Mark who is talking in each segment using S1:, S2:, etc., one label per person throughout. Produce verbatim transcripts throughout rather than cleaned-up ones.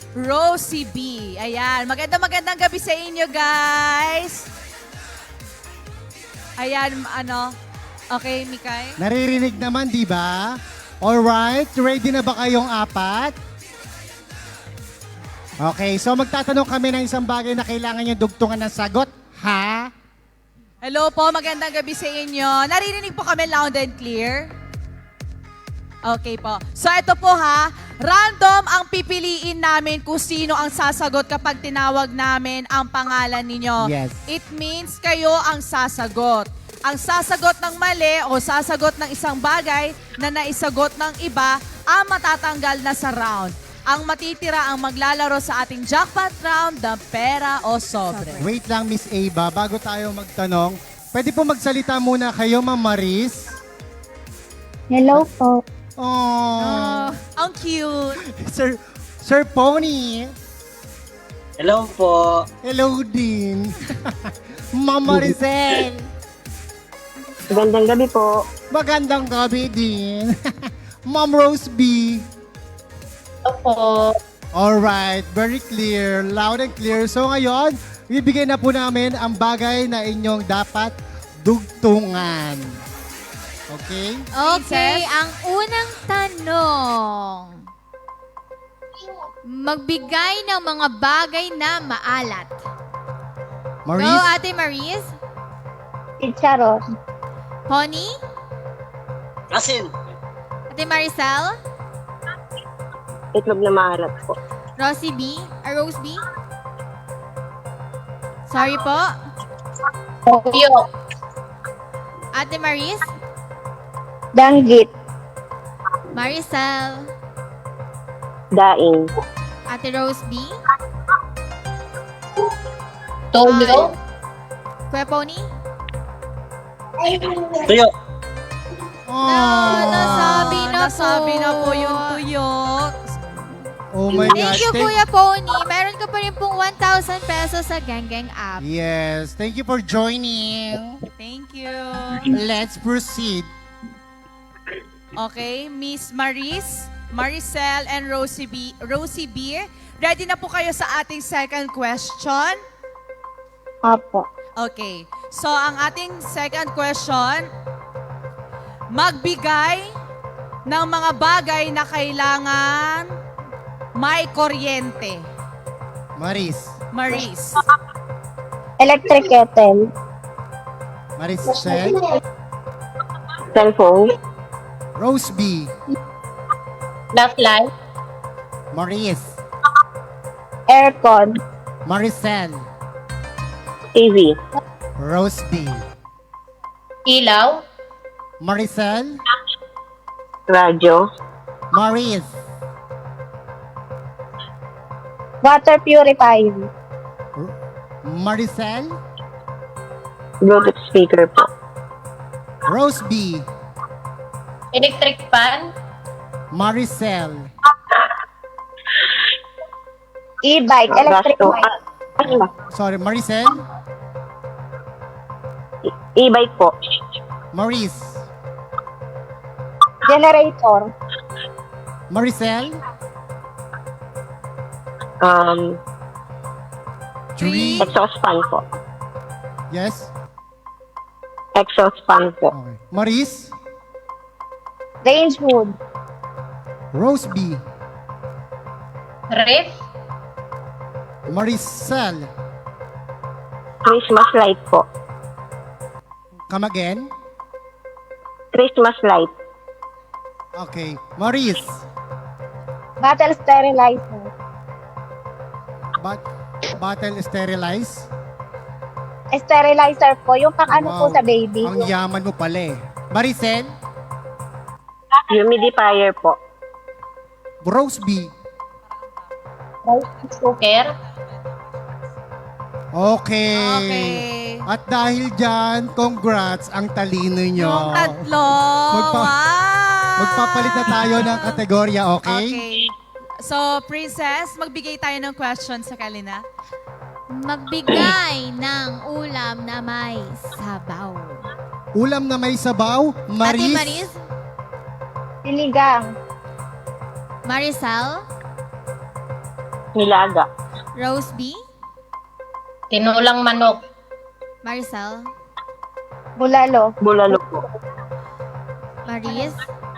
S1: Rosie B. Ayan, magandang magandang gabi sa inyo, guys. Ayan, ano, okay, Mikay?
S2: Naririnig naman, di ba? Alright, ready na ba kayong apat? Okay, so magtatanong kami ng isang bagay na kailangan nyo dugtungan ng sagot, ha?
S1: Hello po, magandang gabi sa inyo. Naririnig po kami loud and clear? Okay po. So ito po ha, random ang pipiliin namin kung sino ang sasagot kapag tinawag namin ang pangalan ninyo.
S2: Yes.
S1: It means kayo ang sasagot. Ang sasagot ng mali o sasagot ng isang bagay na naisagot ng iba ang matatanggal na sa round. Ang matitira ang maglalaro sa ating jackpot round ng pera o sobre.
S2: Wait lang, Miss Ava, bago tayo magtanong, pwede po magsalita muna kayo, Ma'am Maris?
S3: Hello po.
S2: Oh,
S1: Oh, ang cute.
S2: Sir, Sir Pony.
S4: Hello po.
S2: Hello din. Ma'am Maricel.
S3: Magandang gabi po.
S2: Magandang gabi din. Ma'am Rose B.
S3: Opo.
S2: Alright, very clear, loud and clear. So ngayon, bibigyan na po namin ang bagay na inyong dapat dugtungan. Okay?
S5: Okay,
S1: Princess?
S5: ang unang tanong. Magbigay ng mga bagay na maalat. Go,
S2: Maurice?
S5: Ate Maris.
S3: Chicharon.
S5: Pony.
S4: Asin.
S5: Ate Maricel.
S3: Itlog na maalat po.
S5: Rosie B. Or Rose B. Sorry po.
S3: Toyo.
S5: Ate Maris.
S3: Danggit.
S5: Maricel.
S3: Daing.
S5: Ate Rose B.
S3: Toyo.
S5: Kuya Pony.
S4: Tuyo.
S2: Oh,
S5: Na- nasabi na
S1: Nasabi
S5: po.
S1: na po yung tuyo.
S2: Oh my
S5: Thank
S2: gosh.
S5: you, Kuya Pony. Meron ka pa rin pong one thousand pesos sa Gang Gang app.
S2: Yes, thank you for joining.
S1: Thank you.
S2: Let's proceed.
S1: Okay, Miss Maris, Maricel, and Rosie B. Rosie B. Ready na po kayo sa ating second question?
S3: Apo.
S1: Okay. So, ang ating second question, magbigay ng mga bagay na kailangan may kuryente.
S2: Maris.
S1: Maris.
S3: Electric kettle.
S2: Maricel.
S3: Cellphone.
S2: Rose B.
S3: Backlight.
S2: Maurice.
S3: Aircon.
S2: Maricel.
S3: T V.
S2: Rose B.
S3: Ilaw.
S2: Maricel.
S3: Radyo.
S2: Maurice.
S3: Water purifier.
S2: Maricel.
S3: Bluetooth speaker po.
S2: Rose B.
S3: Electric fan.
S2: Maricel.
S3: E-bike. Electric bike.
S2: Sorry, Maricel.
S3: E-bike po.
S2: Maurice.
S3: Generator.
S2: Maricel.
S3: Um,
S1: Three.
S3: exhaust fan po.
S2: Yes.
S3: Exhaust fan po.
S2: Okay. Maurice.
S3: Range hood.
S2: Rose B.
S3: Ref.
S2: Maricel.
S3: Christmas light po.
S2: Come again.
S3: Christmas light.
S2: Okay. Maurice.
S3: Bottle sterilizer.
S2: Bat bottle sterilize.
S3: Sterilizer po. Yung pang ano po
S2: Wow.
S3: sa baby.
S2: Ang yaman mo pala eh. Maricel.
S3: Humidifier po.
S2: Rose B.
S3: Rice cooker.
S2: Okay.
S1: Okay.
S2: At dahil dyan, congrats ang talino nyo.
S1: Yung tatlo.
S2: Magpa-
S1: wow.
S2: Magpapalit na tayo ng kategorya, okay?
S1: Okay. So, Princess, magbigay tayo ng question sa Kalina.
S5: Magbigay ng ulam na may sabaw.
S2: Ulam na may sabaw,
S5: Ate
S2: Maris.
S5: Maris.
S3: Sinigang.
S5: Maricel.
S3: Nilaga.
S5: Rose B.
S6: Tinulang manok.
S5: Maricel.
S3: Bulalo. Bulalo po.
S5: Maris.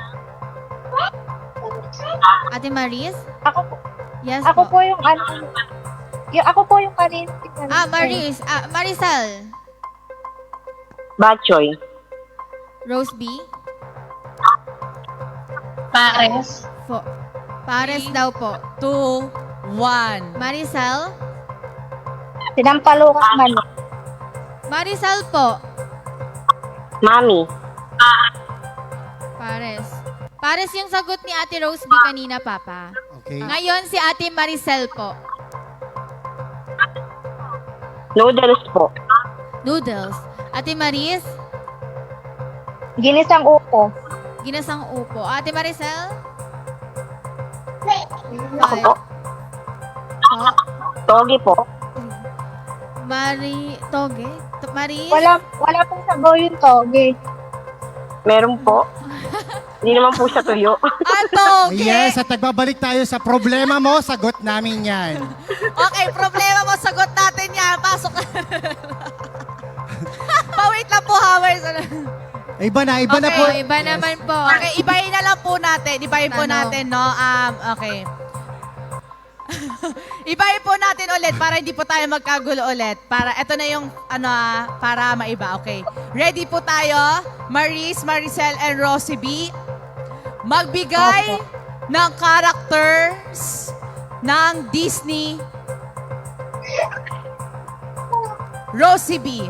S5: Ate Maris?
S3: Ako po.
S5: Yes
S3: Ako
S5: po.
S3: po yung ano. Yung, ako po yung kanina.
S5: Ah, Maris. Ah, Maricel.
S3: Batchoy.
S5: Rose B.
S6: Pares.
S5: Po. Pares daw po.
S1: Two, one.
S5: Maricel.
S3: Sinampalukang manok.
S5: Maricel po.
S3: Mami.
S5: Pares. Pares yung sagot ni Ate Rose B kanina, Papa.
S2: Okay.
S5: Ngayon si Ate Maricel po.
S3: Noodles po.
S5: Noodles. Ate Maris,
S3: Ginisang upo.
S5: ginasang upo. Ate Maricel?
S3: Ako po.
S5: Po.
S3: Togi po.
S5: Mari... Toge? To- Maris?
S3: Wala, wala pong sabaw yung togi. Meron po. Hindi naman po siya tuyo.
S1: Ato, okay?
S2: Yes, at nagbabalik tayo sa problema mo, sagot namin yan.
S1: Okay, problema mo, sagot natin yan. Pasok ka. Pa-wait lang po, Howard.
S2: Iba na, iba na
S1: Okay,
S2: po.
S5: Iba naman po.
S1: Okay, ibahin na lang po natin. Ibahin po
S5: Tanong.
S1: natin, no? Um, okay. Ibahin po natin ulit para hindi po tayo magkagulo ulit. Para, eto na yung, ano ah, para maiba. Okay. Ready po tayo? Maris, Maricel, and Rosie B. Magbigay ng characters ng Disney. Rosie B.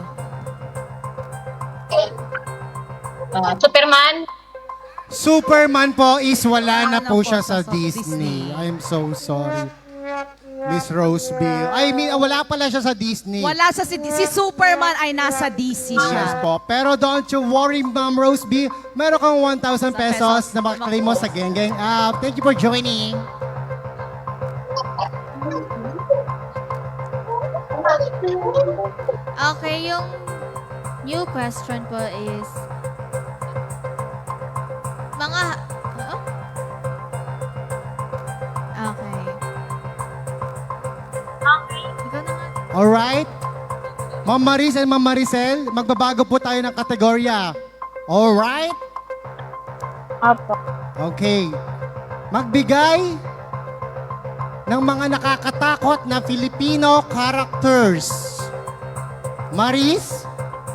S6: Ah, Superman.
S2: Superman po is wala na
S1: Wala na
S2: po
S1: po
S2: siya
S1: sa
S2: sa Disney.
S1: Disney.
S2: I'm so sorry. Miss Rose B. I mean, ah, wala pala siya sa Disney.
S1: Wala sa si, si Superman ay nasa D C
S2: Yes
S1: siya.
S2: po. Pero don't you worry, Ma'am Rose B. Meron kang one thousand pesos na makaklaim mo sa Geng Geng app. Thank you for joining.
S5: Okay, yung new question po is mga huh? Okay. Ikaw na nga.
S2: Alright? Ma'am Maris and Ma'am Maricel, magbabago po tayo ng kategorya. Alright?
S3: Opo.
S2: Okay. Magbigay ng mga nakakatakot na Filipino characters. Maris,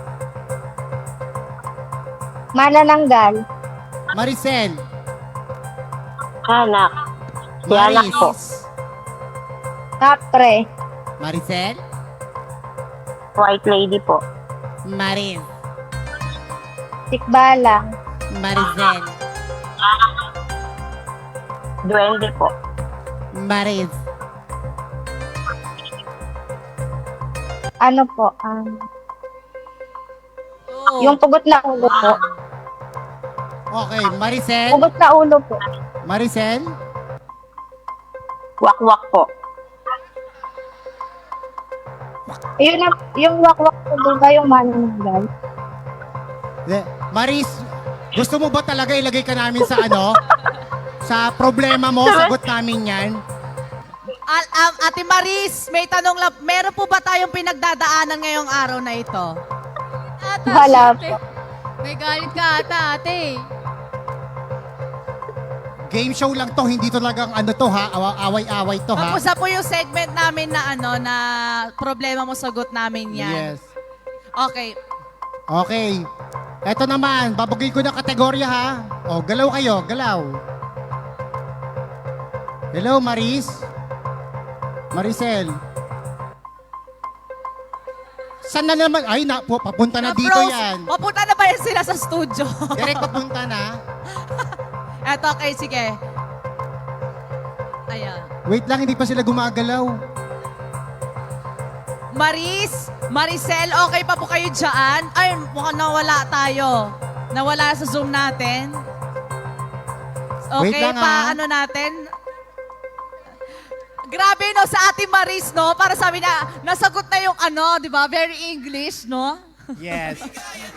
S3: Manananggal.
S2: Maricel,
S3: Anak. Si anak
S2: Maris,
S3: po. Kapre.
S2: Maricel,
S3: White lady po.
S2: Maris,
S3: Tikbalang.
S2: Maricel,
S3: Duwende po.
S2: Maris,
S3: Ano po? Um,
S1: Two,
S3: yung pugot na ulo po.
S2: Okay, Maricel,
S3: Pugot na ulo po.
S2: Maricel,
S3: Wakwak po. Yun na, yung wakwak po doon ba yung manananggal?
S2: Le- Maris, gusto mo ba talaga ilagay ka namin sa ano? Sa problema mo, sagot namin yan.
S1: Al- um, Ate Maris, may tanong lang. Meron po ba tayong pinagdadaanan ngayong araw na ito?
S5: Ata,
S3: Wala
S5: ate. May galit ka ata, ate.
S2: Game show lang to, hindi talagang ano to ha, awa- away-away to ha.
S1: Tapos na po yung segment namin na ano na problema mo, sagot namin yan.
S2: Yes.
S1: Okay.
S2: Okay. Eto naman, babagay ko ng kategorya ha. O, galaw kayo, galaw. Hello, Maris? Maricel? Saan na naman? Ay, na, pu- papunta na dito
S1: Bros,
S2: yan.
S1: Papunta na ba yan sila sa studio?
S2: Direct papunta na.
S1: Eto, okay, sige. Ayan.
S2: Wait lang, hindi pa sila gumagalaw.
S1: Maris, Maricel, okay pa po kayo dyan? Ay, mukhang nawala tayo. Nawala sa Zoom natin.
S2: Wait
S1: Okay,
S2: lang,
S1: pa
S2: ah.
S1: ano natin? Grabe no, sa Ate Maris, no? Para sabi na, nasagot na yung ano, di ba? Very English, no?
S2: Yes.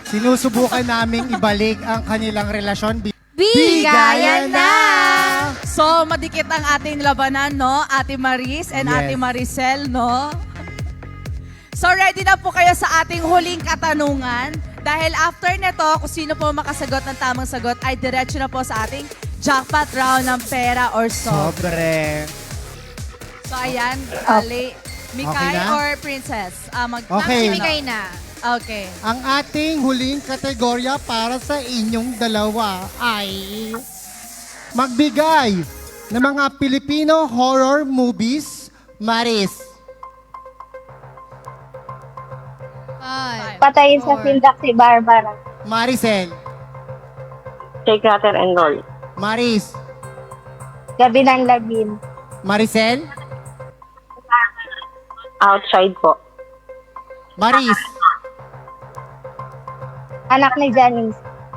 S2: Sinusubukan naming ibalik ang kanilang relasyon.
S5: Bigayan na!
S1: So, madikit ang ating labanan, no? Ate Maris and
S2: Yes.
S1: Ate Maricel, no? So, ready na po kayo sa ating huling katanungan. Dahil after nito, kung sino po makasagot ng tamang sagot, ay diretso na po sa ating jackpot round ng pera or so.
S2: Sobre.
S1: So, ayan, Ali, Mikay
S2: Okay na?
S1: or Princess? Ah, mag-
S2: Okay.
S5: Mamimigay na.
S1: Okay.
S2: Ang ating huling kategorya para sa inyong dalawa ay magbigay ng mga Filipino horror movies, Maris.
S5: Five.
S3: Patayin sa
S5: Four.
S3: sindak si Barbara.
S2: Maricel.
S3: Shake, rattle, and roll.
S2: Maris.
S3: Gabi ng labin.
S2: Maricel.
S3: Outside po.
S2: Maris.
S3: Anak ni Janice.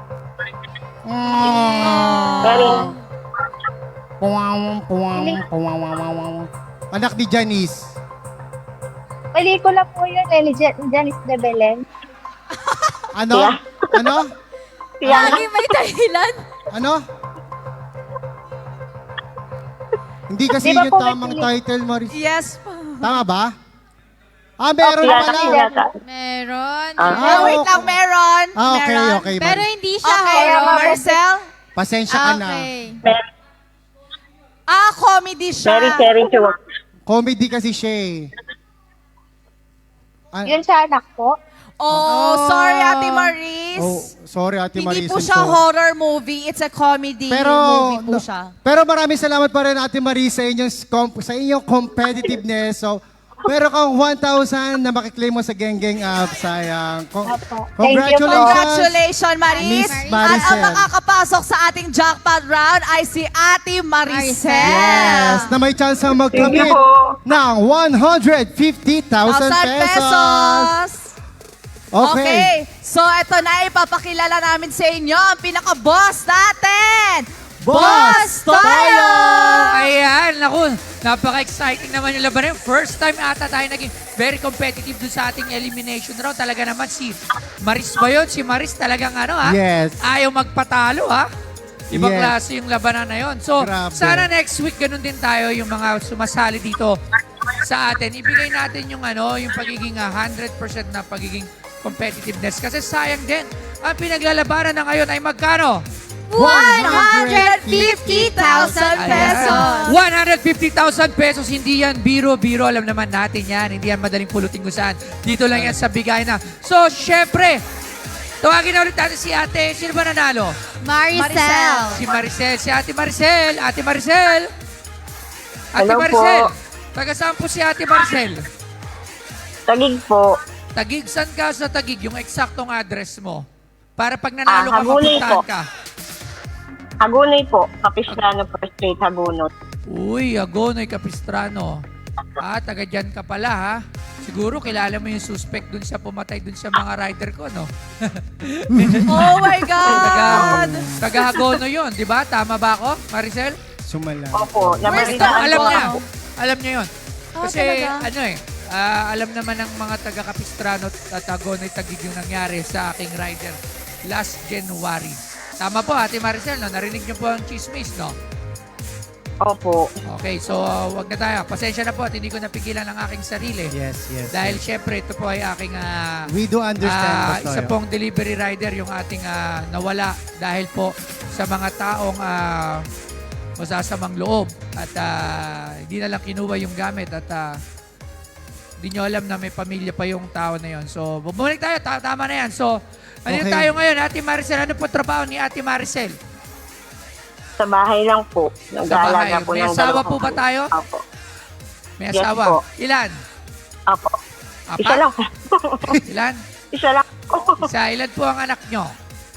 S3: Very.
S2: Puwang, puwang, puwang, puwang. Anak ni Janice.
S3: Pelikula po yun eh, ni Ja- Janice de Belen.
S2: Ano?
S3: Yeah.
S2: Ano?
S3: Tiana.
S5: Lagi may dahilan.
S2: Ano? Hindi kasi
S3: Di ba
S2: yung
S3: po may
S2: tamang
S3: pili-
S2: title, Maris.
S1: Yes po.
S2: Tama ba? Ah, meron
S3: Tiana
S2: pala.
S3: Pinata.
S5: Meron.
S3: Ah.
S1: Ah, wait lang, meron.
S2: Ah, okay,
S1: meron.
S2: okay.
S5: Pero
S2: Maris.
S5: hindi siya
S1: Okay,
S5: horror.
S1: Marcel?
S2: Pasensya ka na.
S5: Okay.
S1: Ah, comedy siya.
S3: Very cherry chewak.
S2: Comedy kasi siya eh. Ah,
S3: Yun sa anak ko.
S1: Oh, sorry, Ate Maris.
S2: Oh, sorry, Ate
S1: Hindi
S2: Maris.
S1: po
S2: I'm
S1: siya
S2: sorry.
S1: horror movie. It's a comedy
S2: Pero,
S1: movie po
S2: no-
S1: siya.
S2: pero maraming salamat pa rin, Ate Maris, sa inyong, comp- sa inyong competitiveness. So, pero kang one thousand na makiklaim mo sa Geng Geng app, sayang. Con-
S3: Opo. Thank you po.
S2: congratulations.
S1: Congratulations, Maris.
S2: Miss
S1: At ang
S2: Maricel.
S1: makakapasok sa ating jackpot round ay si Ate Maricel.
S2: Yes, na may chance ang
S3: Thank
S2: magkamit
S3: you po.
S2: ng one hundred fifty thousand
S1: one thousand
S2: pesos.
S1: pesos.
S2: Okay.
S1: Okay. So, ito na ipapakilala namin sa inyo ang pinaka-boss natin.
S2: Boss
S1: Tayo!
S7: Ayan, naku, napaka-exciting naman yung laban. First time ata tayo naging very competitive dun sa ating elimination round. Talaga naman si Maris ba yun? Si Maris talagang ano ha?
S2: Yes.
S7: Ayaw magpatalo ha? Ibang
S2: Yes.
S7: klase yung labanan na yun. So,
S2: Grabe.
S7: sana next week ganun din tayo yung mga sumasali dito sa atin. Ibigay natin yung ano, yung pagiging ah, one hundred percent na pagiging competitiveness. Kasi sayang din, ang pinaglalabanan na ngayon ay magkano?
S1: one hundred fifty thousand pesos.
S7: one hundred fifty thousand pesos, hindi yan biro-biro. Alam naman natin yan. Hindi yan madaling pulutin kung saan. Dito lang yan sa bigay na. So, syempre, tawagin na ulit natin si ate. Sino ba nanalo?
S5: Maricel.
S7: Si Maricel. Si ate Maricel. Ate Maricel. Ate
S3: Hello
S7: Maricel.
S3: po.
S7: Taga saan po si ate Maricel?
S3: Tagig po.
S7: Tagig, saan ka sa Tagig? Yung eksaktong address mo. Para pag nanalo
S3: Ah,
S7: ka,
S3: Hagunoy
S7: mapuntahan
S3: po.
S7: ka.
S3: Hagunay po. Capistrano First Street, Hagunot.
S7: Uy, Agonoy Capistrano. Ah, taga dyan ka pala ha. Siguro kilala mo yung suspect dun sa pumatay dun sa mga rider ko, no?
S1: Oh my
S7: Taga,
S1: God!
S7: taga Agono yun, di ba? Tama ba ako, Maricel?
S2: Sumala.
S3: Opo.
S7: Ito,
S3: Nabalitaan
S7: alam
S3: ko
S7: niya.
S3: ako.
S7: Alam niya yun.
S1: Ah,
S7: Kasi
S1: talaga?
S7: ano eh, ah, alam naman ng mga taga Capistrano at Agonoy Tagig yung nangyari sa aking rider last January. Tama po, Ate Maricel, no? Narinig niyo po ang chismis, no?
S3: Opo.
S7: Okay, so uh, wag na tayo. Pasensya na po at hindi ko napigilan ang aking sarili.
S2: Yes, yes.
S7: Dahil syempre, ito po ay aking ah,
S2: We do understand,
S7: ah,
S2: Boss
S7: isa
S2: Toyo.
S7: pong delivery rider yung ating ah, nawala dahil po sa mga taong ah, masasamang loob at ah, hindi na lang kinuha yung gamit at ah, hindi nyo alam na may pamilya pa yung tao na yon. So, bumalik tayo. Ta- tama na yan. So, ano
S2: Okay.
S7: tayo ngayon? Ate Maricel, ano po trabaho ni Ate Maricel?
S3: Sa bahay lang po.
S7: Sa
S3: Nag-aalaga
S7: bahay.
S3: po
S7: May
S3: ng
S7: asawa
S3: dalawang
S7: po ba
S3: anak.
S7: tayo?
S3: Opo.
S7: May
S3: Yes
S7: asawa?
S3: po.
S7: Ilan?
S3: Opo.
S7: Apat?
S3: Isa lang.
S7: Ilan?
S3: Isa lang.
S7: Isa. Ilan po ang anak nyo?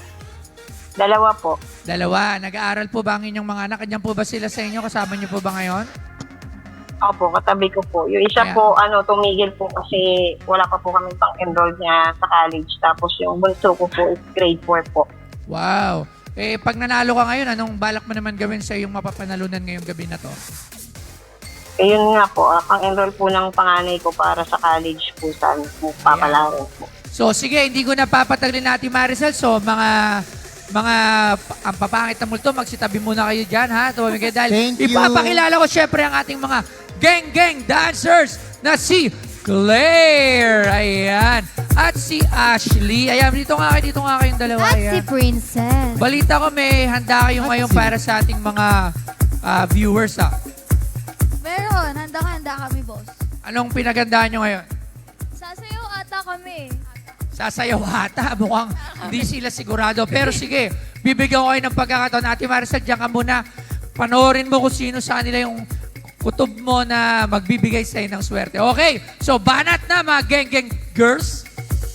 S3: Dalawa po.
S7: Dalawa. Nag-aaral po ba ang inyong mga anak? Andiyan po ba sila sa inyo? Kasama nyo po ba ngayon?
S3: Opo, katabi ko po. Yung isa
S7: Ayan.
S3: po, ano, tumigil po kasi wala pa po kami pang-enroll niya sa college. Tapos yung bunso ko po is grade four po.
S7: Wow. Eh, pag nanalo ka ngayon, anong balak mo naman gawin sa iyong mapapanalunan ngayong gabi na to?
S3: Eh, yun nga po, ah, pang-enroll po ng panganay ko para sa college po saan po papalarin po.
S7: So, sige, hindi ko napapataglin natin Maricel. So, mga mga pa- ang papangit na multo, magsitabi muna kayo dyan, ha? Tumamigay dahil
S2: Thank you.
S7: ipapakilala ko syempre ang ating mga gang-gang dancers na si Claire. Ayan. At si Ashley. Ayan, dito nga kayo, dito nga kayong dalawa.
S5: At si
S7: Ayan.
S5: Princess.
S7: Balita ko may handa kayo
S2: At
S7: ngayon
S2: si-
S7: para sa ating mga ah, viewers, ha?
S8: Meron, handa-handa kami, boss.
S7: Anong pinagandaan nyo ngayon?
S8: Sasayaw ata kami.
S7: Sasayaw ata. Mukhang hindi sila sigurado. Pero sige, bibigyan ko kayo ng pagkakataon. Ate Maricel, diyan ka muna. Panoorin mo kung sino sa kanila yung kutob mo na magbibigay sa'yo ng swerte. Okay, so banat na mga geng-geng girls.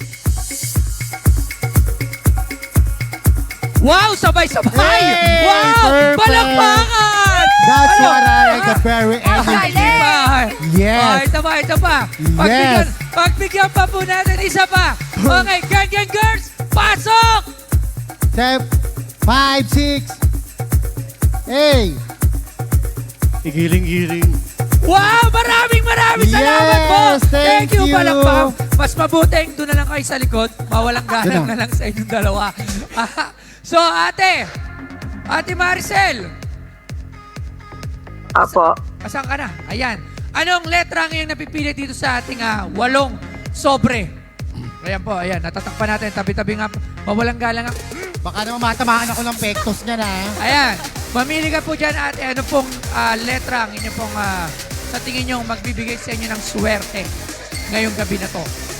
S7: Wow, sabay-sabay!
S2: Hey,
S7: Wow!
S2: perfect!
S7: Palakpakan!
S2: That's
S7: Ano?
S2: what I like, the very
S7: Okay,
S2: energy.
S7: pa.
S2: Yes.
S7: Oh, ito pa, ito pa. Pagbigyan,
S2: Yes.
S7: pagbigyan pa po natin isa pa. Okay, gang-gang girls, pasok!
S2: Step, five, six, eight. Igiling-giling.
S7: Wow! Maraming maraming
S2: Yes,
S7: salamat po!
S2: thank
S7: you,
S2: you.
S7: Palakpak. Mas mabuting doon na lang kayo sa likod. Mawalang galang
S2: Doon
S7: na lang sa inyong dalawa. Ah, so, ate, ate Maricel,
S3: Apo.
S7: asan ka na? Ayan. Anong letra ang iyong napipili dito sa ating ah, walong sobre? Ayan po, ayan. Natatakpan natin. Tabi-tabi nga. Mawalang galang nga.
S2: Baka naman matamaan ako ng pektos niya na.
S7: Ayan. Mamili ka po dyan, ate. Ano pong ah, letra ang inyong pong ah, sa tingin nyo magbibigay sa inyo ng swerte ngayong gabi na to?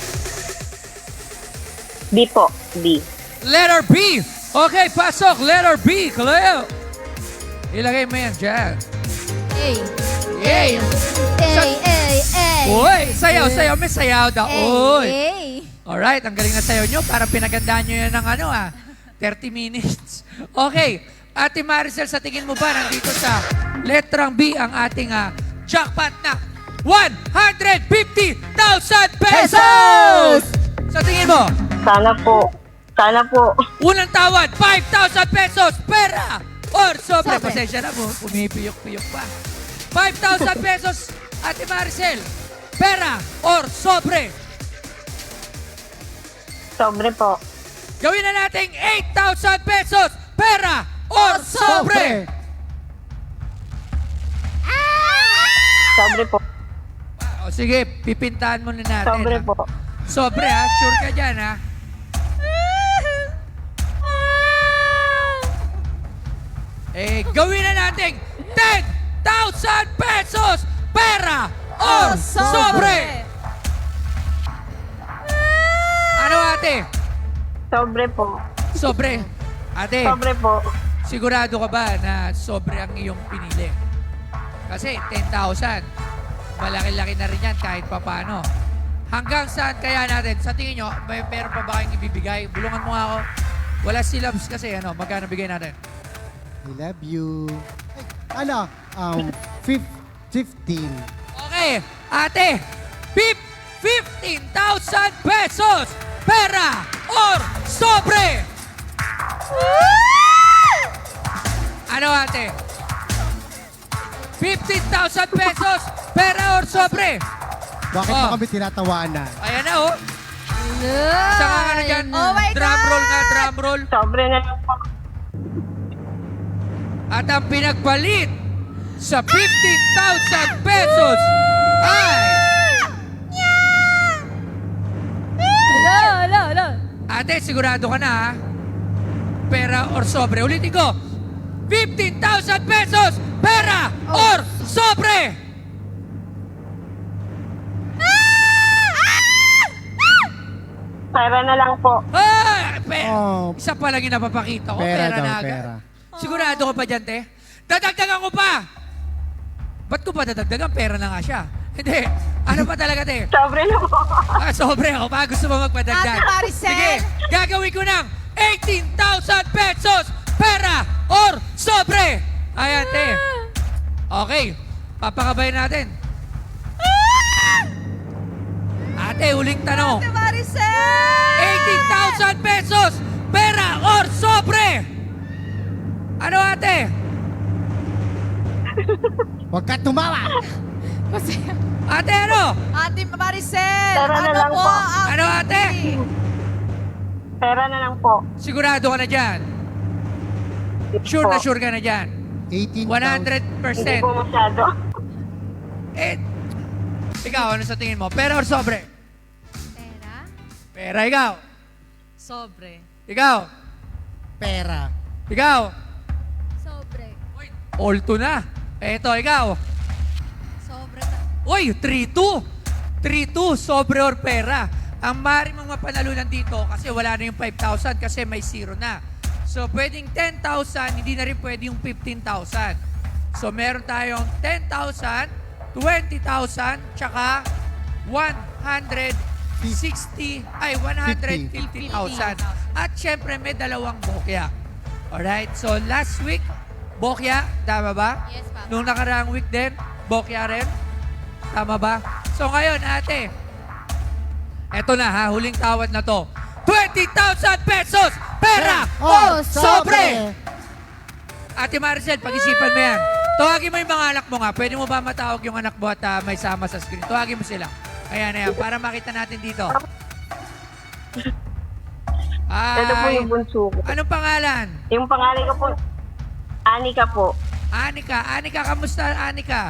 S3: B po. B.
S7: Letter B. Okay, pasok. Letter B. Kaleo. Ilagay mo yan dyan.
S5: Hey.
S7: Yay!
S5: Hey, hey, hey.
S7: Uy, sayaw, sayaw. May sayaw daw. Uy.
S5: Hey.
S7: Alright, ang galing na sayaw nyo. Parang pinagandaan nyo yan ng ano ah, thirty minutes. Okay, Ate Maricel, sa tingin mo ba nandito sa letrang B ang ating ah, jackpot na one hundred fifty thousand pesos! Sa tingin mo,
S3: Sana po. Sana po.
S7: unang tawad, five thousand pesos, pera! Or sobre,
S5: Sobre.
S7: pasensya na po, pumipiyok-piyok pa. five thousand pesos, Ate Maricel, pera or sobre.
S3: Sobre po.
S7: Gawin na natin eight thousand pesos, pera or sobre.
S3: Sobre po.
S7: O sige, pipintahan mo na natin.
S3: Sobre
S7: ha?
S3: po.
S7: Sobre ha, sure ka dyan ha. Eh, gawin na natin ten thousand pesos, pera or sobre. Ano ate?
S3: Sobre po.
S7: Sobre. Ate,
S3: Sobre po.
S7: sigurado ka ba na sobre ang iyong pinili? Kasi ten thousand, malaki-laki na rin yan kahit papano. Hanggang saan kaya natin? Sa tingin nyo, may meron pa ba kayong ibibigay? Bulungan mo nga ako. Wala syllabs kasi, ano, magkano bigay natin?
S2: I love you. Ay, ano? Um, fif- fifteen.
S7: Okay, ate, fif- fifteen thousand pesos, pera or sobre! Ano ate? fifteen thousand pesos, pera or sobre?
S2: Bakit
S7: Oh.
S2: mo kami tinatawaan na?
S7: Ayan na oh. Saka ka na dyan.
S1: Oh my
S7: drum
S1: God!
S7: roll nga, drum roll.
S3: Sobre na lang po.
S7: At ang pinagpalit sa fifteen thousand pesos ay...
S5: Hello, hello, hello.
S7: Ate, sigurado ka na ha? Pera or sobre. Ulitin ko. fifteen thousand pesos, pera or sobre.
S3: Pera na lang po.
S7: Ah, pe-
S2: Oh,
S7: Isa pa lang yung napapakita ko.
S2: pera
S7: Pera,
S2: daw,
S7: na agad.
S2: pera.
S7: Sigurado ka pa dyan, te? Dadagdagan ko pa! Ba't ko pa dadagdagan? Pera na nga siya. Hindi. Ano pa talaga, te?
S3: Sobre na po.
S7: Ah, sobre ako pa. Gusto mo magpadagdag?
S1: Ate Maricel!
S7: Sige, gagawin ko ng eighteen thousand pesos, pera or sobre. Ayan, te. Okay, papakabayan natin. Ate, huling tanong.
S1: Ate Maricel!
S7: eighteen thousand pesos, pera or sobre. Ano, ate?
S2: Huwag ka tumawa!
S1: Kasi,
S7: Ate, ano?
S1: Ate Maricel,
S3: Tara na
S1: ano
S3: lang
S1: po
S3: po.
S1: ang
S7: Ano, ate?
S3: Pera na lang po.
S7: Sigurado ka na dyan. Sure na
S3: po.
S7: sure ka na dyan.
S2: eighteen
S7: one hundred
S3: Hindi
S7: percent.
S3: po masyado.
S7: Eh, ikaw, ano sa tingin mo? Pera or sobre?
S5: Pera?
S7: Pera, ikaw.
S1: Sobre.
S7: Ikaw.
S2: Pera.
S7: Ikaw.
S8: Sobre.
S7: Uy, all two na. Eto, ikaw.
S8: Sobre. ta-
S7: Uy, three two. three two, sobre or pera. Ang mari mong mapanalunan dito kasi wala na yung five thousand kasi may zero na. So, pwedeng ten thousand, hindi na rin pwede yung fifteen thousand. So, meron tayong ten thousand, twenty thousand, tsaka one hundred sixty, ay one hundred fifty thousand. At syempre, may dalawang bokya. Alright, so last week, bokya, tama ba?
S5: Yes, Papa.
S7: Nung nakaraang week din, bokya rin. Tama ba? So ngayon, ate, eto na ha, huling tawad na to. twenty thousand pesos! Pera!
S2: Oh,
S7: sobre! Ate Maricel, pag-isipan mo yan. Tawagin mo yung mga anak mo nga. Pwede mo ba matawag yung anak mo at ah, may sama sa screen? Tawagin mo sila. Ayan, ayan, para makita natin dito.
S3: Ito po
S7: Ay,
S3: yung bunso ko.
S7: anong pangalan?
S3: Yung pangalan ko po, Anika po.
S7: Anika. Anika, kamusta Anika?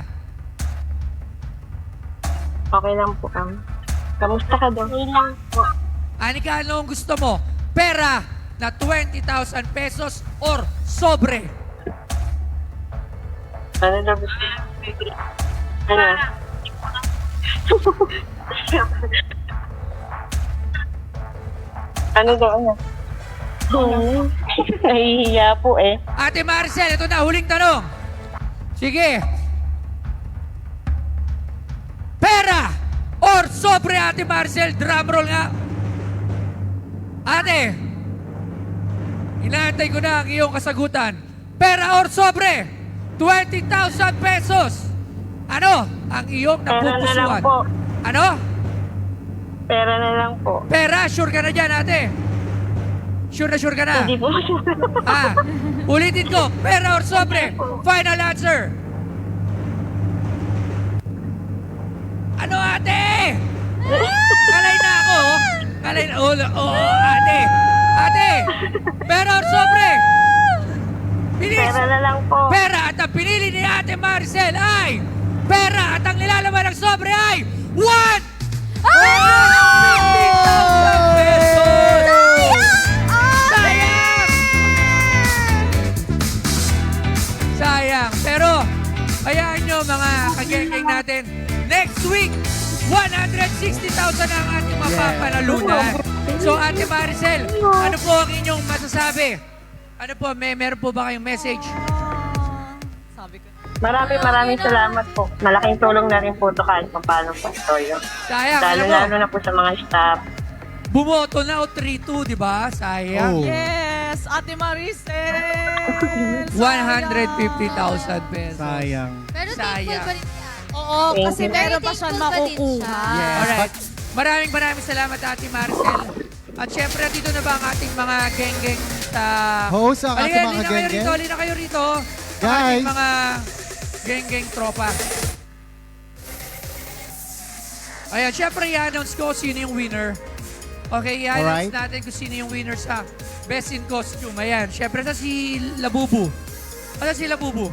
S3: Okay lang po kami. Kamusta ka daw? Okay lang po.
S7: Anika, ano ang gusto mo? Pera na twenty thousand pesos or sobre?
S3: Ano daw gusto? Ano? ano daw, ano? Hmm. Nahihiya po eh.
S7: Ate Maricel, ito na, huling tanong. Sige. Pera or sobre, Ate Maricel? Drumroll nga. Ate, inaantay ko na ang iyong kasagutan. Pera or sobre? twenty thousand pesos. Ano ang iyong
S3: Pera na lang
S7: napupusuan?
S3: po.
S7: Ano?
S3: Pera na lang po.
S7: Pera, sure ka na dyan, ate? Sure na sure ka na?
S3: Hindi po.
S7: Ah, ulitin ko. Pera or sobre? Final answer. Ano, ate? Kalay na ako. oh. Kalay na. Oo, oh, oh, ate. Ate, pera or sobre? Bilis.
S3: Pera na lang po.
S7: Pera at ang pinili ni Ate Maricel ay pera at ang nilalaman ng sobre ay one hundred fifty thousand pesos! Sayang! Sayang. Pero, hayaan nyo mga kagengeng natin, next week, one hundred sixty thousand ang ating mapapanalunan. So, Ate Maricel, ano po ang inyong masasabi? Ano po, may meron po ba kayong message?
S1: Sabi ko.
S3: Maraming maraming salamat po. Malaking tulong na rin po ito kahit pa paano po ito yun.
S7: Sayang, alam mo,
S3: Lalo-lalo na po sa mga staff.
S7: bumoto na o three two, di ba? Sayang.
S2: Oh.
S1: Yes, Ate Maricel.
S7: one hundred fifty thousand pesos.
S2: Sayang.
S8: Pero thankful
S7: Sayang.
S8: pa rin yan.
S1: Oo,
S3: Thank
S1: kasi
S3: you.
S1: meron pa
S8: Very
S1: siyang
S8: thankful pa din
S1: makukuha.
S8: siya.
S2: Yes.
S7: Alright. Maraming maraming salamat, Ate Maricel. At syempre, dito na ba ang ating mga geng-geng sa...
S2: Host ang ating
S7: Halika,
S2: mga
S7: halika kayo
S2: geng-geng.
S7: rito, halika kayo rito. Ang
S2: Guys.
S7: ating mga geng-geng tropa. Ayan, syempre, i-announce ko sino yung winner. Okay, i-announce
S2: Alright.
S7: natin kung sino yung winner sa Best in Costume. Ayan, syempre, sa si Labubu. Ano si Labubu?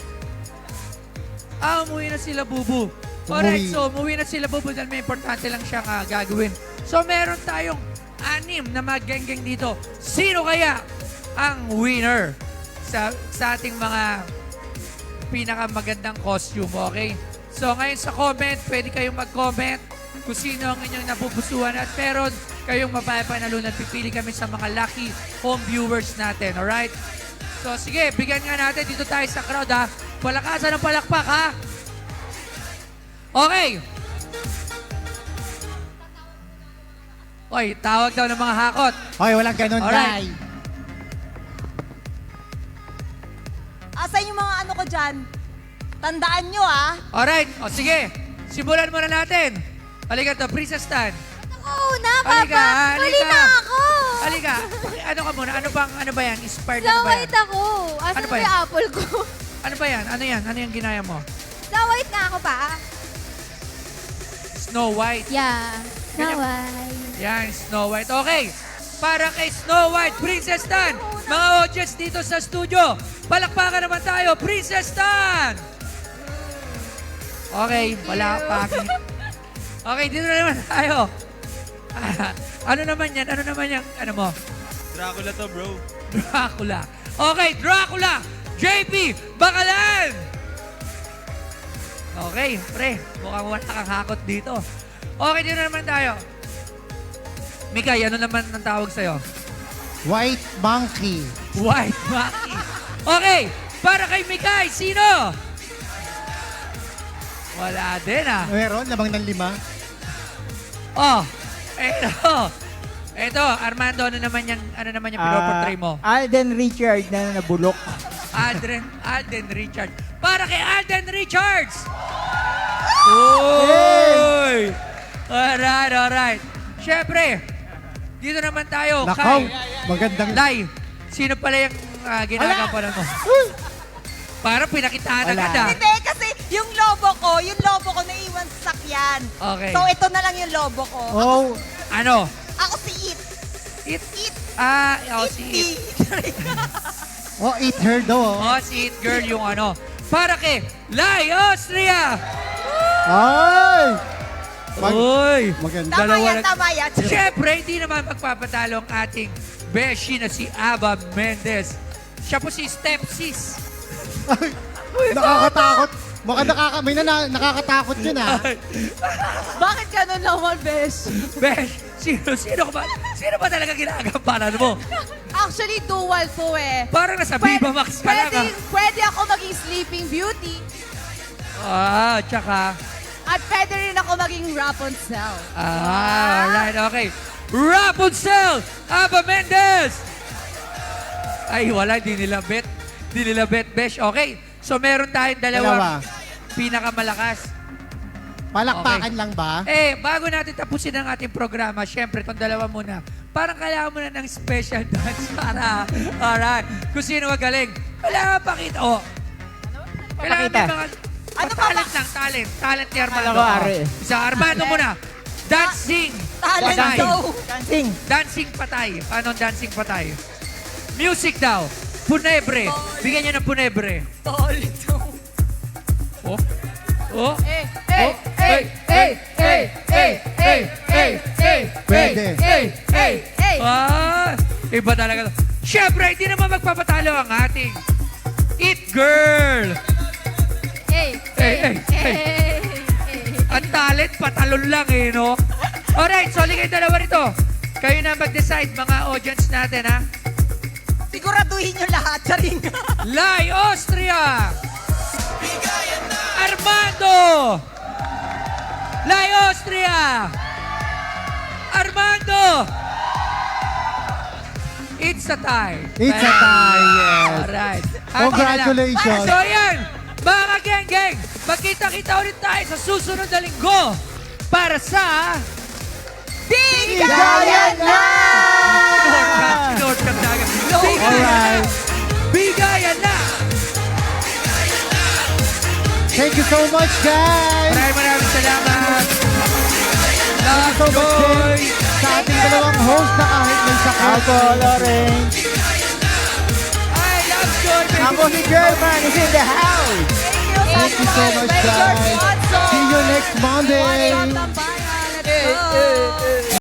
S7: Ah, umuwi na sila Bubu. Alright,
S2: Umuwi.
S7: so umuwi na sila Bubu dahil may importante lang siyang ah, gagawin. So meron tayong anim na mag-geng-geng dito. Sino kaya ang winner sa, sa ating mga pinakamagandang costume, okay? So ngayon sa comment, pwede kayong mag-comment kung sino ang inyong napupusuan at meron kayong mapapanalunan. Pipili kami sa mga lucky home viewers natin, alright? So sige, bigyan nga natin dito tayo sa crowd ha. Palakasan ng palakpak ha. Okay. Oy, tawag daw ng mga hakot.
S2: Hoy, walang ganun,
S7: Alright.
S2: Day.
S1: Asan yung mga ano ko dyan? Tandaan nyo ah.
S7: Alright, o sige. Simulan muna natin. Halika to, Princess Tan.
S8: Oo na,
S7: Halika,
S8: Papa.
S7: halika.
S8: Huli na ako.
S7: Halika. Ano ka muna? Ano bang, ano ba yan? Inspired
S8: Snow
S7: ano ba yan?
S8: White ako. Asan
S7: Ano ba
S8: ba
S7: yan?
S8: yung apple ko?
S7: Ano ba yan? Ano yan? Ano yung ginaya mo?
S8: Snow White na ako pa.
S7: Snow White.
S8: Yeah. Snow
S7: Ganyan.
S8: White.
S7: Yan, Snow White. Okay. para kay Snow White, Princess Tan. Mga audience dito sa studio, palakpakan naman tayo, Princess Tan! Okay, wala pangit. Okay, dito na naman tayo. Ah, ano naman yan? Ano naman yan? Ano mo?
S9: Dracula to, bro.
S7: Dracula. Okay, Dracula! J P, Bakalan! Okay, pre, mukhang wala kang hakot dito. Okay, dito na naman tayo. Mikay, ano naman ang tawag sa'yo?
S2: White monkey.
S7: White Monkey. Okay, para kay Mikay, sino? Wala din ah.
S2: Meron, lamang ng lima.
S7: Oh, eto. Eto, Armando, ano naman yung, ano naman yung pinoportray mo?
S10: Alden Richard na nabulok.
S7: Alden, Alden Richard. Para kay Alden Richards! Uy! Alright, alright. Siyempre, dito naman tayo
S2: Nakaw,
S7: kay
S2: magandang...
S7: Lai. Sino pala yung uh, ginagampanan mo? Parang pinakitaan agad ah.
S8: Hindi, kasi yung lobo ko, yung lobo ko naiwan sa sakyan.
S7: Okay.
S8: So, ito na lang yung lobo ko.
S2: Oh,
S7: Ano?
S8: Ako si It.
S7: It?
S8: It.
S7: Ah, oh, si It.
S2: oh, eat her daw. Oh.
S7: Oh, si It Girl yung ano. Para kay Lai Austria!
S2: Ay! Mag-
S7: Uy!
S2: maganda.
S8: Tama
S7: Dalawa
S8: yan,
S7: na-
S8: tama yan.
S7: Siyempre, hindi naman magpapatalo ang ating beshi na si Ava Mendez. Siya po si Stepsis.
S2: Nakakatakot. Baka nakaka may na, nakakatakot yun ah.
S1: Bakit ganun naman, Besh?
S7: Besh, sino, sino ba? Sino ba talaga ginagampanan mo?
S1: Actually, dual to eh.
S7: Parang nasa Viva Max ka lang
S1: pwede,
S7: ah.
S1: pwede ako maging Sleeping Beauty
S7: Ah, tsaka.
S1: at pwede rin ako maging Rapunzel.
S7: Ah, alright, okay. Rapunzel, Ava Mendez! Ay, wala, di nila bet. Di nila bet, Besh. Okay, so meron tayong dalawang
S2: Dalawa.
S7: pinakamalakas.
S2: Palakpakan
S7: Okay.
S2: lang ba?
S7: Eh, bago natin tapusin ang ating programa, syempre, itong dalawa muna. Parang kailangan mo na ng special dance para, alright, kung sino magaling. Kailangan pakita, oh. Kailangan may mga,
S8: Ano
S7: oh,
S8: pa
S7: talent lang, talent. Talent ni Armando.
S10: Akala ko, Ari.
S7: Oh. Isa, Armando muna. Dancing.
S8: Talent
S7: patay.
S8: daw.
S10: Dancing.
S7: Dancing patay. Paano ang dancing patay? Music daw. Punebre. Bigyan niyo ng punebre. Oh. Oh.
S1: Eh, eh, eh, eh, eh, eh, eh, eh, eh,
S2: Pwede.
S7: Eh, eh,
S1: eh.
S7: Ah, iba talaga. to. Siyempre, hindi naman magpapatalo ang ating It Girl.
S5: Hey,
S7: Eh, eh, eh.
S5: hey,
S7: Ang talent, patalon lang eh, no? Alright, so ligay dalawa rito. Kayo na mag-decide, mga audience natin, ha?
S8: Siguraduhin nyo lahat. Charing.
S7: Lai Austria! Armando! Lai Austria! Armando! It's a tie.
S2: It's a tie, yes.
S7: Alright.
S2: Congratulations.
S7: So yan, mga geng-geng, magkita-kita ulit tayo sa susunod na linggo para sa...
S8: Bigayan na!
S7: North North Camdagan. Bigayan na!
S2: Alright.
S7: Bigayan na!
S2: Thank you so much, guys.
S7: Maraming maraming salamat.
S2: Thank you
S7: Love,
S2: so much
S7: joy.
S2: din sa ating dalawang host na kahit may sakit.
S10: Ako, Lawrence.
S7: I love joy. baby.
S10: Ako si German is in the house.
S2: Thank you so much, guys. See you next Monday.
S1: Tambayan. Let's go.